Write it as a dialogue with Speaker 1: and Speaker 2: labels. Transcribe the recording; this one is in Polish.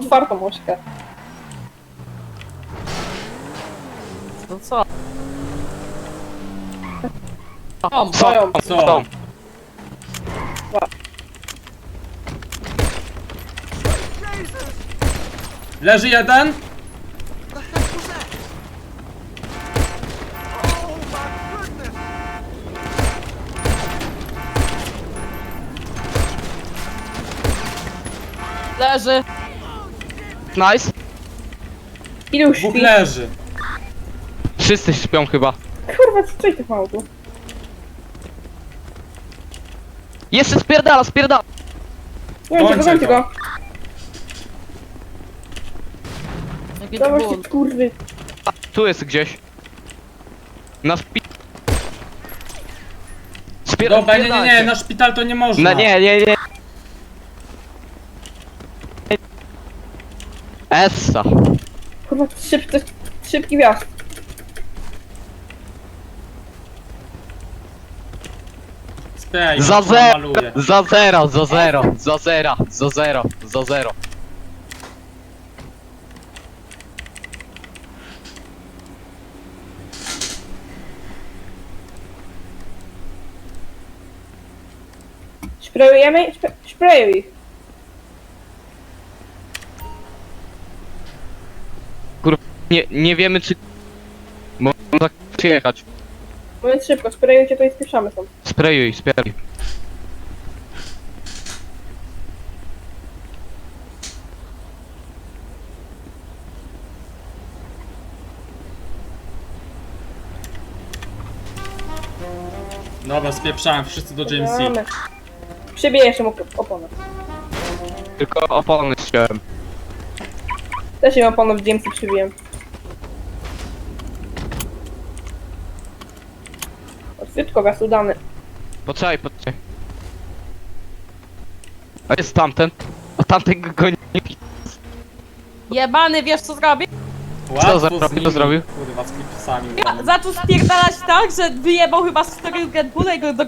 Speaker 1: otwartą ośkę.
Speaker 2: No co?
Speaker 1: O, boją.
Speaker 3: Co? Leży jeden?
Speaker 2: Leży. Nice.
Speaker 1: Ilu
Speaker 3: Dwóch
Speaker 1: śpi?
Speaker 3: leży.
Speaker 4: Wszyscy śpią chyba.
Speaker 1: Kurwa, co ich tak mało tu?
Speaker 4: Jeszcze spierdala.
Speaker 1: Gońcie
Speaker 3: Gońcie
Speaker 1: go.
Speaker 2: Jaki
Speaker 1: Dawaj
Speaker 2: ból.
Speaker 1: się, kurwy.
Speaker 4: A, tu jest gdzieś. Na szpi...
Speaker 3: Dobra, nie, na szpital to nie można.
Speaker 4: No nie. Essa.
Speaker 1: Kurwa, szybki wjazd.
Speaker 3: Spray,
Speaker 4: Za
Speaker 3: ja
Speaker 4: zero,
Speaker 3: maluję.
Speaker 4: za zero.
Speaker 1: Sprayujemy? Sprayuj.
Speaker 4: Nie wiemy czy... Można tak przyjechać.
Speaker 1: Mówiąc szybko, sprayujcie to i spieszamy stąd.
Speaker 4: Sprayuj.
Speaker 3: Dobra, spieprzałem, wszyscy do GMC.
Speaker 1: Mamy. Przybiję jeszcze mu oponę.
Speaker 4: Tylko opony ściąłem.
Speaker 1: Też im oponę w GMC przybiłem. Szybko, wjazd udany.
Speaker 4: Poczekaj. A jest tamten? A tamten go goni.
Speaker 2: Jebany, wiesz co zrobi?
Speaker 3: Łatwo
Speaker 4: zrobił?
Speaker 3: z nimi.
Speaker 4: Co zrobił?
Speaker 3: Kurwa, z klipsami.
Speaker 2: Zaczął spierdalać tak, że wyjebał chyba z 4 Red Bulla i go